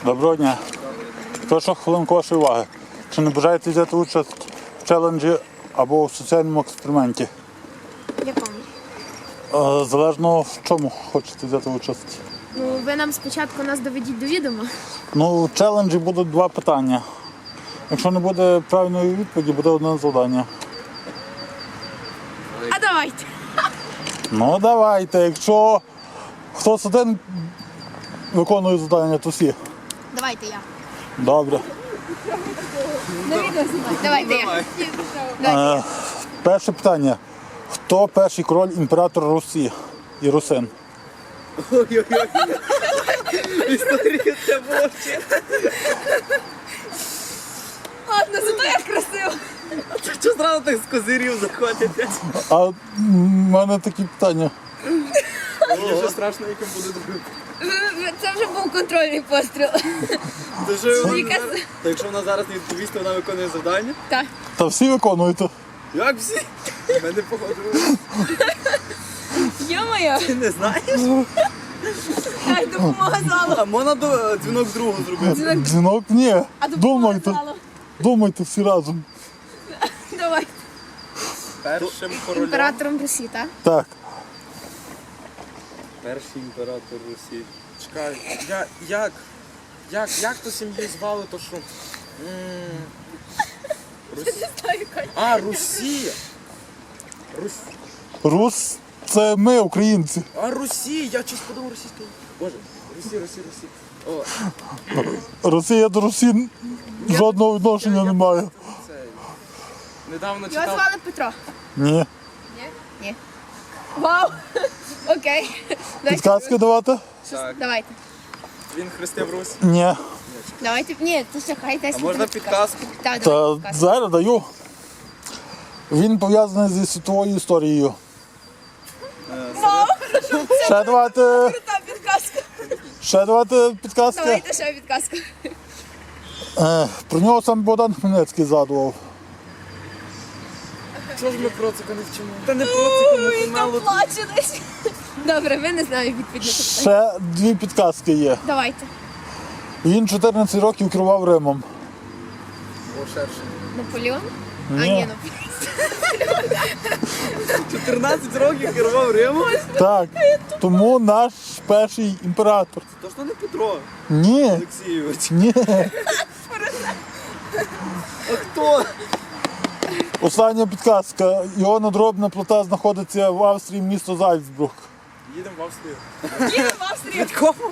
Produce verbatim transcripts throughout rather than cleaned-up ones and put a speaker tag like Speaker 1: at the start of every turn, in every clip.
Speaker 1: Доброго дня. Прошу хвилинку вашої уваги. Чи не бажаєте взяти участь в челенджі або в соціальному експерименті?
Speaker 2: Якому?
Speaker 1: Е, Залежно в чому хочете взяти участь.
Speaker 2: Ну, ви нам спочатку нас доведіть до відома.
Speaker 1: Ну, в челенджі будуть два питання. Якщо не буде правильної відповіді, буде одне завдання.
Speaker 2: А давайте.
Speaker 1: Ну, давайте. Якщо хтось один виконує завдання, то всі.
Speaker 2: Давайте я.
Speaker 1: Добре.
Speaker 2: Давайте я.
Speaker 1: Е, перше питання. Хто перший король імператор Русі і Русин?
Speaker 3: Ой-ой-ой. Історія це вовче.
Speaker 2: Ладно, зато як красиво.
Speaker 3: Що зразу так з козирів заходите?
Speaker 1: А в мене такі питання.
Speaker 3: Мені вже страшно, яким буде друг.
Speaker 2: Це вже був контрольний постріл.
Speaker 3: То що вона
Speaker 2: Яка-
Speaker 3: зараз- то якщо вона зараз не відповість, то вона виконує завдання?
Speaker 2: Так.
Speaker 1: Та всі виконуєте.
Speaker 3: Як всі? Мене походу.
Speaker 2: Йо-моє,
Speaker 3: Ти не знаєш?
Speaker 2: так допомога залу.
Speaker 3: А можна до дзвінок другу зробити?
Speaker 1: Дзвінок ні.
Speaker 2: А допомога
Speaker 1: Думайте.
Speaker 2: залу.
Speaker 1: Думайте всі разом.
Speaker 2: Давай.
Speaker 3: Першим королем.
Speaker 2: Імператором Русі, так?
Speaker 1: Так.
Speaker 3: Перший імператор Русі.
Speaker 4: Чекай, я, як? Як? Як то сім'ю звали, то що? М, Рус... А, Русія. Рус...
Speaker 1: Рус це ми, українці.
Speaker 4: А, Русі, я щось подумав російською. Боже, Русі, Русі, Русі. О,
Speaker 1: Росія до Русі жодного відношення не має.
Speaker 4: це... Недавно
Speaker 2: Його
Speaker 4: читав...
Speaker 2: звали Петро.
Speaker 1: Ні.
Speaker 2: Ні. Вау. Окей. Дайте.
Speaker 1: Підказки давати?
Speaker 3: Так.
Speaker 2: Давайте.
Speaker 3: Він хрестив Русь.
Speaker 1: Ні.
Speaker 2: Давайте. Ні, то все, хай десь.
Speaker 3: А можна підказку?
Speaker 2: Так,
Speaker 1: Та
Speaker 2: давайте підказку.
Speaker 1: зараз даю. Він пов'язаний зі світовою історією.
Speaker 2: Вау.
Speaker 1: Ще давати,
Speaker 2: Крута підказка.
Speaker 1: ще давати підказки.
Speaker 2: Давайте ще підказку.
Speaker 1: Е, Про нього сам Богдан Хмельницький згадував.
Speaker 4: Чого ж ми процика не вчимо?
Speaker 3: Та не проциком, не
Speaker 2: Ой, там
Speaker 3: помало.
Speaker 2: плаче десь. Добре, ви не знаєте відповідь на це питання.
Speaker 1: Ще дві підказки є.
Speaker 2: Давайте.
Speaker 1: Він чотирнадцять років керував Римом.
Speaker 3: О, шерше.
Speaker 2: Наполеон? А,
Speaker 1: Ні.
Speaker 2: ні, Наполеон.
Speaker 3: чотирнадцять років керував Римом?
Speaker 1: Так. Тому наш перший імператор.
Speaker 3: Точно не Петро
Speaker 1: Ні.
Speaker 3: Олексійович.
Speaker 1: Ні.
Speaker 3: А хто?
Speaker 1: Остання підказка. Його надробна плита знаходиться в Австрії, місто Зальцбург.
Speaker 3: Їдемо в Австрію.
Speaker 2: Їдемо в Австрію.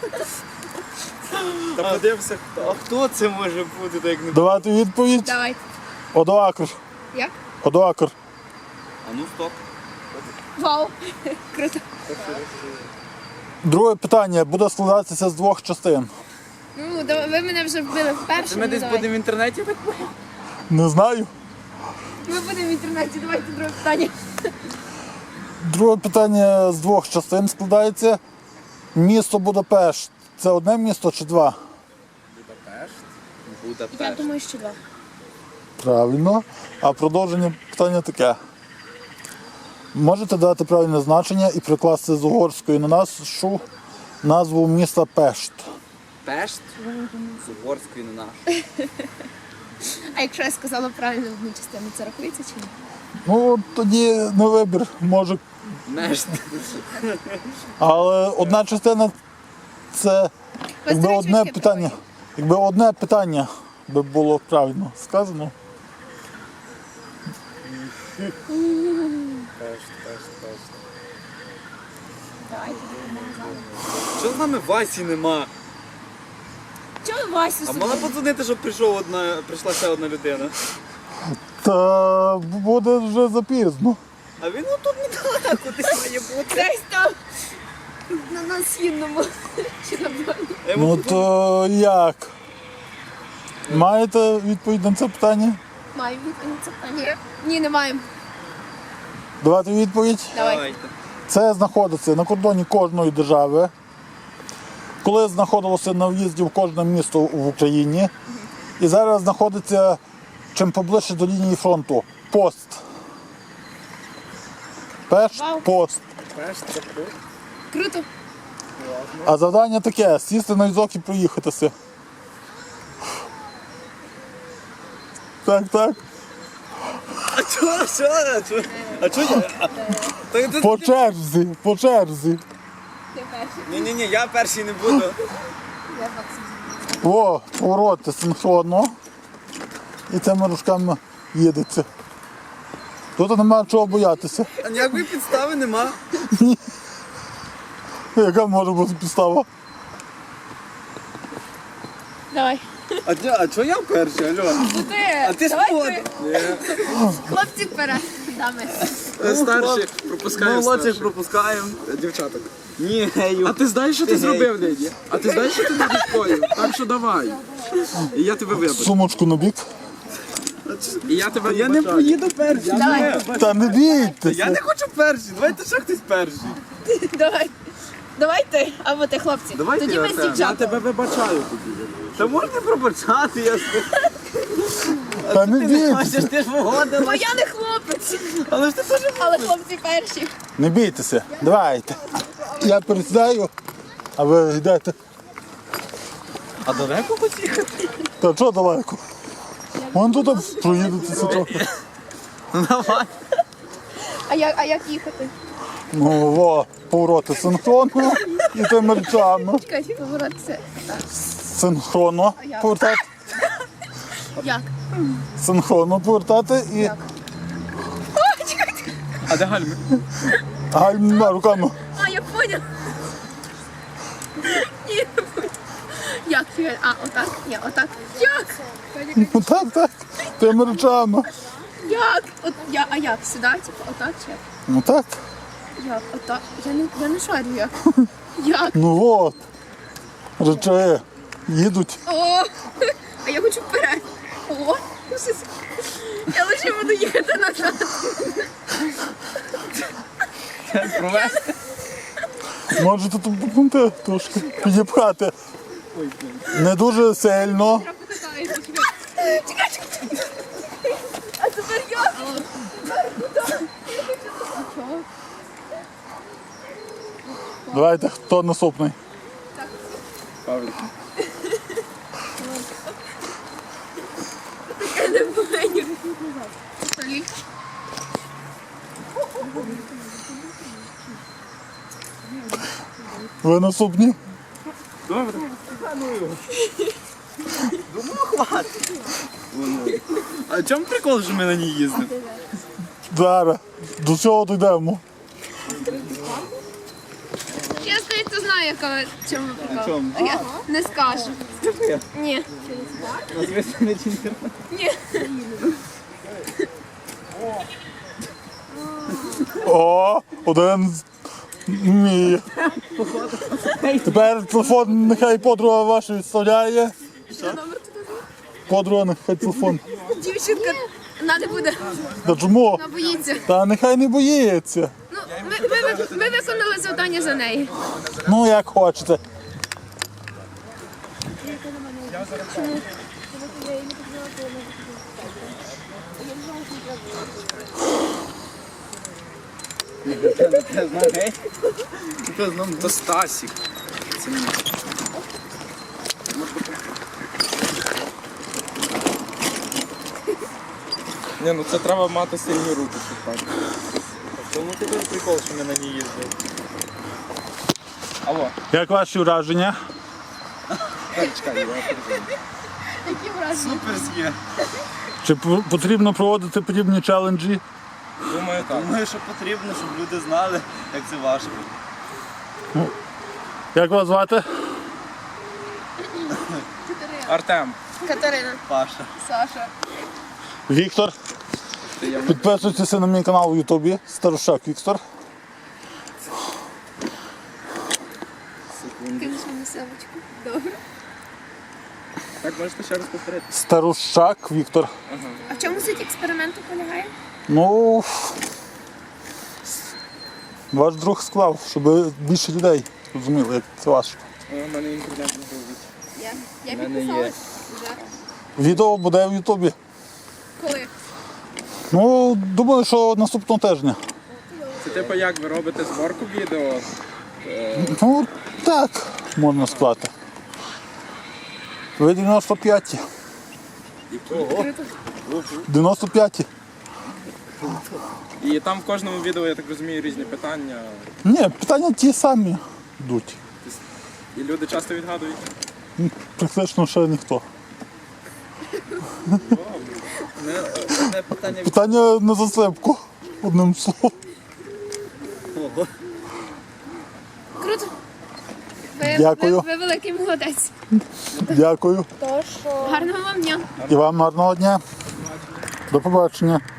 Speaker 3: Та подивимося, хто. А хто це може бути, так як не...
Speaker 1: Давайте відповідь.
Speaker 2: Давайте.
Speaker 1: Одоакр.
Speaker 2: Як?
Speaker 1: Одоакр.
Speaker 3: А ну стоп.
Speaker 2: Вау. Круто.
Speaker 1: Друге питання буде складатися з двох частин.
Speaker 2: Ну, да- ви мене вже вбили вперше.
Speaker 3: Ми
Speaker 2: ну,
Speaker 3: десь
Speaker 2: давайте.
Speaker 3: будемо в інтернеті так?
Speaker 1: Не знаю.
Speaker 2: Ми будемо в інтернеті, давайте друге питання.
Speaker 1: Друге питання з двох частин складається. Місто Будапешт. Це одне місто чи два?
Speaker 3: Будапешт.
Speaker 2: Я
Speaker 3: Будапешт.
Speaker 2: думаю, що два.
Speaker 1: Правильно. А продовження питання таке. Можете дати правильне значення і прикласти з угорської на нашу назву міста Пешт.
Speaker 3: Пешт? З угорської на наш.
Speaker 2: А якщо я сказала правильно одну частину, це рахується чи ні?
Speaker 1: Ну, тоді не вибір, може.
Speaker 3: Мешт.
Speaker 1: Але одна частина це якби
Speaker 2: Постережіть
Speaker 1: одне
Speaker 2: від
Speaker 1: питання.
Speaker 2: такої.
Speaker 1: Якби одне питання би було правильно сказано.
Speaker 3: Пешт, пешт, пешт.
Speaker 2: Давайте.
Speaker 3: Що з нами Васі нема?
Speaker 2: Чого Васю
Speaker 3: А
Speaker 2: собі?
Speaker 3: могла подзвонити, щоб прийшов одна, прийшла ще одна людина.
Speaker 1: Та буде вже запізно.
Speaker 3: А він отут недалеко десь має бути.
Speaker 2: Десь там на на східному. Чи на дворі.
Speaker 3: Я йому
Speaker 1: Ну
Speaker 3: подзвоню.
Speaker 1: то як? Маєте відповідь на це питання?
Speaker 2: Маємо відповідь на це питання? Ні, не маємо.
Speaker 1: Давайте відповідь.
Speaker 2: Давайте.
Speaker 1: Це знаходиться на кордоні кожної держави. Коли знаходилося на в'їзді в кожне місто в Україні. І зараз знаходиться чим поближче до лінії фронту. Пост. Пешт,
Speaker 2: Вау.
Speaker 1: пост.
Speaker 3: Пешт, це
Speaker 2: Круто.
Speaker 1: А завдання таке, сісти на візок і проїхатися. Так, так.
Speaker 3: А чого, що? А чого? А чого я? А, та ти-
Speaker 1: По черзі, по черзі.
Speaker 2: Ти перший.
Speaker 3: Ні-ні-ні, я перший не буду.
Speaker 2: Я Максим.
Speaker 1: О, повороти синхронно. І цими рушками їдеться. Тут немає чого боятися.
Speaker 3: А ніякої підстави нема.
Speaker 1: Яка може бути підстава?
Speaker 2: Давай.
Speaker 3: А, чо- а чого я перший, алло?
Speaker 2: Ти.
Speaker 3: А ти
Speaker 2: Давай
Speaker 3: спод.
Speaker 2: ти. Хлопці вперед. Дами.
Speaker 3: Старші, пропускаємо.
Speaker 4: Ми молодших
Speaker 3: старших. пропускаємо. Дівчаток. Ні, гею.
Speaker 4: А ти знаєш, що ти зробив, Леді? А ти знаєш, що ти не відповів? Так що давай. І я тебе вибачу.
Speaker 1: Сумочку набік.
Speaker 4: І я тебе
Speaker 3: Я не
Speaker 4: вибачаю.
Speaker 3: поїду перший.
Speaker 2: Давай.
Speaker 1: Та не
Speaker 3: Я
Speaker 1: бійтеся.
Speaker 3: не хочу перший. Давайте ще хтось перший.
Speaker 2: Давай. Давай ти, або ти, хлопці.
Speaker 3: Давай
Speaker 2: Тоді
Speaker 3: ти,
Speaker 2: ми з
Speaker 3: Артем.
Speaker 4: Я
Speaker 2: дівчатами.
Speaker 4: тебе вибачаю тоді.
Speaker 3: Та можна пробачати, я
Speaker 1: Та не
Speaker 3: ти не хочеш,
Speaker 1: бійтеся.
Speaker 3: ти ж погодила.
Speaker 2: Бо я не хлопець.
Speaker 3: Але ж ти теж.
Speaker 2: Але хлопці перші.
Speaker 1: Не бійтеся. Давайте. Я пересідаю, а ви йдете.
Speaker 3: А далеко поїхати?
Speaker 1: Та що далеко? Вон тут проїдетеся трохи.
Speaker 3: Ну давай.
Speaker 2: А як, а як їхати?
Speaker 1: Ну, во, повороти синхронно і тими речами.
Speaker 2: Чекайте, поворотися.
Speaker 1: Синхронно повертати.
Speaker 2: Як?
Speaker 1: Синхронно повертати і
Speaker 2: О, чекайте.
Speaker 4: А де гальми?
Speaker 1: гальма руками.
Speaker 2: А, я поняла. Ні, не поняла. Як? Чекай, а, отак? Ні, отак. Як?
Speaker 1: Ну так, так. Тими речами.
Speaker 2: Як? От, я, а як? Сюди, типу, отак чи як?
Speaker 1: Ну так.
Speaker 2: Як? Отак? Я не, я не шарю як. Як?
Speaker 1: Ну от. Речі їдуть.
Speaker 2: О, а я хочу вперед. О, щось. Я лише буду їхати назад.
Speaker 3: Провести.
Speaker 1: Можете тут допомогти трошки підіпхати. Не дуже сильно.
Speaker 2: Чекай, чекай, чекай. А тепер я.
Speaker 1: Давайте, хто наступний?
Speaker 3: Павлік.
Speaker 2: Я не повинен. Олі.
Speaker 1: Ви наступні?
Speaker 3: Добре. Думаю, хватить. А в чому прикол, що ми на ній їздимо?
Speaker 1: Зараз. До цього дійдемо.
Speaker 2: Я, здається, знаю, яка в чому прикол.
Speaker 3: чому?
Speaker 2: А я не скажу. Ні.
Speaker 3: Назвися на чемпіонат.
Speaker 2: Ні.
Speaker 1: О, один з- вміє. Тепер телефон нехай подруга ваша відставляє.
Speaker 2: Номер туди.
Speaker 1: Подруга нехай телефон.
Speaker 2: Дівчинка не буде.
Speaker 1: Та чому?
Speaker 2: Вона боїться.
Speaker 1: Та нехай не боїться.
Speaker 2: Ну, ми, ми, ми, ми виконали завдання за неї.
Speaker 1: Ну як хочете.
Speaker 3: Це знає. Це знає.
Speaker 4: То Стасік. Це не Ні, ну це треба мати сильні руки, щоб так.
Speaker 3: Тому тебе прикол, що ми на ній їздили.
Speaker 4: Алло,
Speaker 1: Як ваші враження?
Speaker 4: так, чекай, я переживаю.
Speaker 2: Які враження?
Speaker 3: Суперське.
Speaker 1: Чи п- потрібно проводити подібні челенджі?
Speaker 4: Думаю, так.
Speaker 3: Думаю, що потрібно, щоб люди знали, як це важко.
Speaker 1: Як вас звати?
Speaker 4: Артем.
Speaker 2: Катерина.
Speaker 3: Паша.
Speaker 2: Саша.
Speaker 1: Віктор. Підписуйтеся на мій канал у Ютубі. Старушак Віктор.
Speaker 2: Кинеш мені сумочку. Добре.
Speaker 4: Так, можете ще раз повторити.
Speaker 1: Старушак Віктор.
Speaker 2: А в чому суть експерименту полягає?
Speaker 1: Ну, ваш друг склав, щоб більше людей розуміли, як це важко.
Speaker 4: О, у мене інтернет не грузить.
Speaker 2: Я, я
Speaker 3: У мене
Speaker 2: підписала.
Speaker 3: є.
Speaker 2: Вже.
Speaker 1: Відео буде в Ютубі.
Speaker 2: Коли?
Speaker 1: Ну, думаю, що наступного тижня.
Speaker 4: Це типу як ви робите зборку відео?
Speaker 1: Ну, так, можна сказати. Ви дев'яносто п'ять.
Speaker 2: Круто.
Speaker 1: дев'яносто п'яті.
Speaker 5: І там в кожному відео, я так розумію, різні питання.
Speaker 1: Ні, питання ті самі йдуть.
Speaker 5: І люди часто відгадують.
Speaker 1: Практично ще ніхто.
Speaker 3: Не, одне питання від
Speaker 1: Питання на засипку, одним словом.
Speaker 3: того.
Speaker 2: Круто. Ви,
Speaker 1: Дякую.
Speaker 2: Ви, ви великий молодець.
Speaker 1: Дякую.
Speaker 2: Гарного вам дня.
Speaker 1: І вам гарного дня. До побачення.